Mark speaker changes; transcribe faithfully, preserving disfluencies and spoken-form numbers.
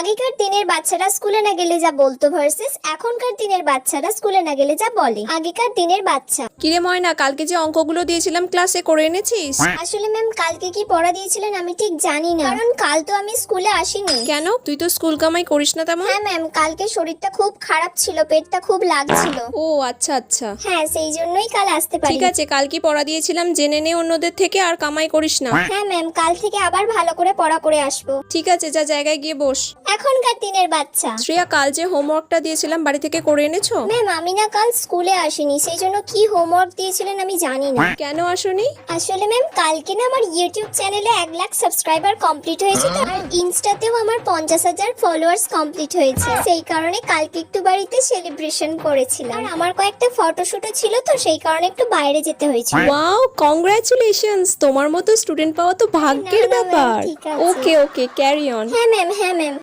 Speaker 1: আগেকার দিনের বাচ্চারা স্কুলে না গেলে যা বলতো ভার্সেস এখনকার দিনের বাচ্চারা স্কুলে না গেলে যা বলে। আগেকার দিনের বাচ্চা।
Speaker 2: কিরে ময়না, কালকে যে অঙ্কগুলো দিয়েছিলাম ক্লাসে করে এনেছিস?
Speaker 1: আসলে ম্যাম কালকে কি পড়া দিয়েছিলেন আমি ঠিক জানি না, কারণ কাল তো আমি স্কুলে আসিনি।
Speaker 2: কেন, তুই তো স্কুল কামাই করিস না তেমন?
Speaker 1: হ্যাঁ ম্যাম, কালকে শরীরটা খুব খারাপ ছিল, পেটটা খুব লাগছিল।
Speaker 2: ও আচ্ছা আচ্ছা,
Speaker 1: হ্যাঁ সেই জন্যই কাল আসতে পারি।
Speaker 2: ঠিক আছে, কাল কি পড়া দিয়েছিলাম জেনে নে অন্যদের থেকে, আর কামাই করিস না।
Speaker 1: হ্যাঁ ম্যাম, কাল থেকে আবার ভালো করে পড়া করে আসবো।
Speaker 2: ঠিক আছে, যা জায়গায় গিয়ে বস।
Speaker 1: এখনকার দিনের বাচ্চা।
Speaker 2: শ্রেয়া, কাল যে হোমওয়ার্কটা দিয়েছিলাম বাড়ি থেকে করে এনেছো?
Speaker 1: ম্যাম আমি না কাল স্কুলে আসিনি, সেই জন্য কি হোমওয়ার্ক দিয়েছিলেন আমি জানি না।
Speaker 2: কেন আসোনি?
Speaker 1: আসলে ম্যাম কালকে না আমার ইউটিউব চ্যানেলে এক লাখ সাবস্ক্রাইবার কমপ্লিট হয়েছে তো, আর ইনস্টাতেও আমার পঞ্চাশ হাজার ফলোয়ার্স কমপ্লিট হয়েছে, সেই কারণে কালকে একটু বাড়িতে সেলিব্রেশন করেছিলাম। আর আমার কয়েকটা ফটোশুটও ছিল তো, সেই কারণে একটু বাইরে যেতে হয়েছিল।
Speaker 2: ওয়াও, কংগ্রাচুলেশনস, তোমার মতো স্টুডেন্ট পাওয়া তো ভাগ্যের
Speaker 1: না, না, ma'am,
Speaker 2: ব্যাপার।
Speaker 1: ঠিক আছে।
Speaker 2: Okay okay, carry on.
Speaker 1: হ্যাঁ ম্যাম, হ্যাঁ ম্যাম।